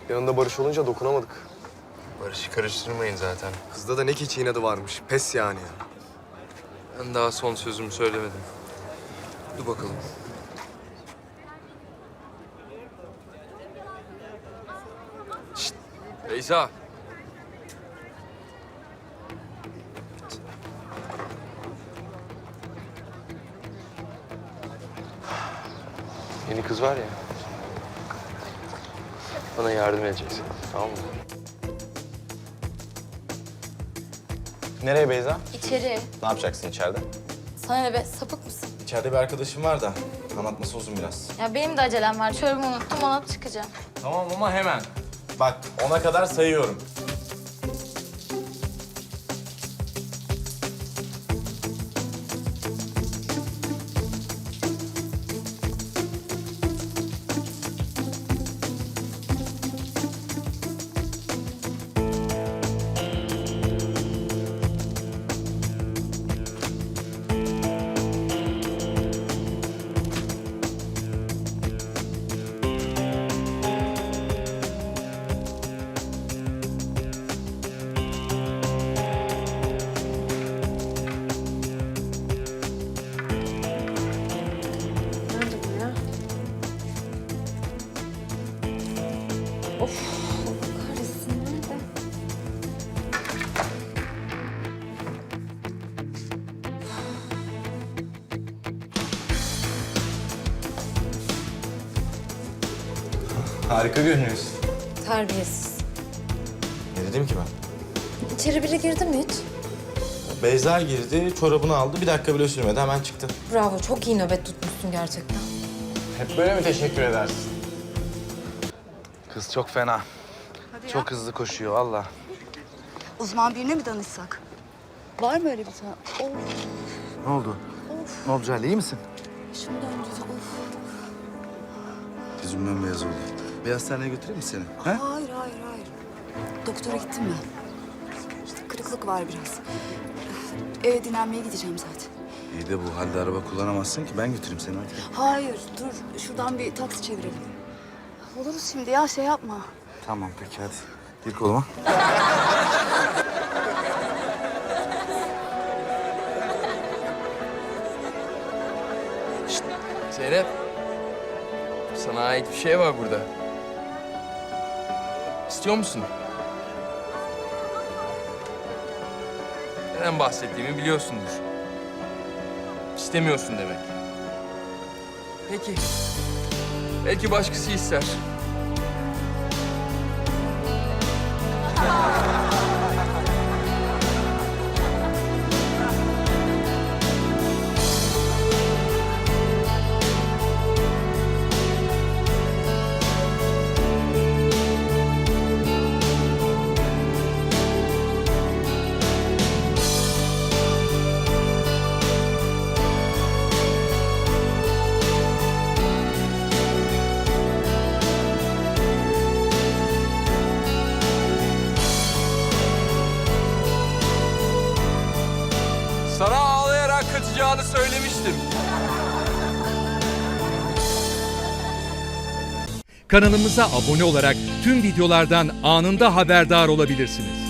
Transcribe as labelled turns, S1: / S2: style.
S1: Yanında Barış olunca dokunamadık.
S2: Barış'ı karıştırmayın zaten.
S1: Kızda da ne keçi inadı varmış. Pes yani.
S2: Ben daha son sözümü söylemedim. Dur bakalım. Şşt! Beyza! Yeni kız var ya. Bana yardım edeceksin. Tamam mı?
S3: Nereye Beyza?
S4: İçeri.
S3: Ne yapacaksın içeride?
S4: Sana ne be, sapık mısın?
S3: İçeride bir arkadaşım var da anlatması uzun biraz.
S4: Ya benim de acelem var. Çorabımı unuttum, ona çıkacağım.
S3: Tamam ama hemen. Bak 10'a kadar sayıyorum.
S5: Nerede bu ya? Of, Allah kahretsin. Nerede?
S3: Harika görünüyorsun.
S5: Terbiyesiz.
S3: Ne dedim ki ben?
S5: İçeri biri girdi mi hiç?
S3: Beyza girdi, çorabını aldı. Bir dakika bile sürmedi, hemen çıktı.
S5: Bravo, çok iyi nöbet tutmuşsun gerçekten.
S3: Hep böyle mi teşekkür edersin? Kız çok fena. Çok hızlı koşuyor valla.
S6: Uzman birine mi danışsak? Var mı öyle bir tane? Of,
S3: Ne oldu? Ne oldu Cale, iyi misin?
S6: şunu döndürdü. Of.
S7: Yüzümden beyaz oldu. Bir hastaneye götüreyim mi seni? He?
S6: Hayır, hayır, hayır. Doktora gittim ben. İşte kırıklık var biraz. Eve dinlenmeye gideceğim zaten.
S7: İyi de bu halde araba kullanamazsın ki. Ben götüreyim seni hadi.
S6: Hayır, dur. Şuradan bir taksi çevirelim. Oluruz şimdi ya, şey yapma.
S7: Tamam peki hadi. Gir koluma.
S2: Zeynep. Sana ait bir şey var burada. İstiyor musun? Neden bahsettiğimi biliyorsundur. İstemiyorsun demek. Peki. Belki başkası ister. Sana ağlayarak kaçacağını söylemiştim.
S8: Kanalımıza abone olarak tüm videolardan anında haberdar olabilirsiniz.